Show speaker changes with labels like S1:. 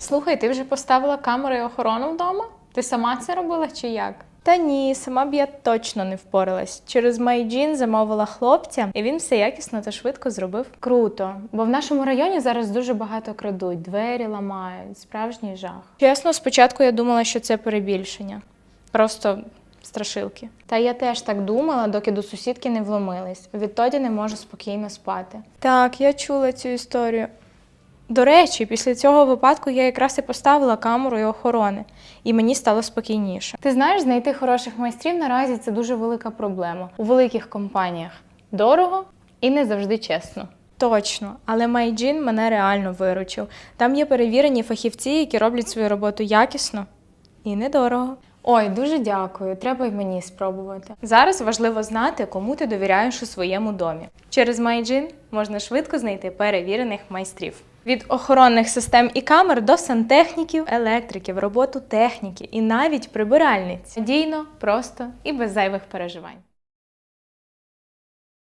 S1: Слухай, ти вже поставила камеру і охорону вдома? Ти сама це робила чи як?
S2: Та ні, сама б я точно не впоралась. Через MyGen замовила хлопця, і він все якісно та швидко зробив.
S1: Круто, бо в нашому районі зараз дуже багато крадуть, двері ламають, справжній жах.
S2: Чесно, спочатку я думала, що це перебільшення. Просто страшилки.
S1: Та я теж так думала, доки до сусідки не вломились. Відтоді не можу спокійно спати.
S2: Так, я чула цю історію. До речі, після цього випадку я якраз і поставила камеру і охорони, і мені стало спокійніше.
S1: Ти знаєш, знайти хороших майстрів наразі це дуже велика проблема. У великих компаніях дорого і не завжди чесно.
S2: Точно, але MyGen мене реально виручив. Там є перевірені фахівці, які роблять свою роботу якісно і недорого.
S1: Ой, дуже дякую, треба й мені спробувати.
S2: Зараз важливо знати, кому ти довіряєш у своєму домі. Через MyGen можна швидко знайти перевірених майстрів. Від охоронних систем і камер до сантехніків, електриків, роботу техніки і навіть прибиральниць.
S1: Надійно, просто і без зайвих переживань.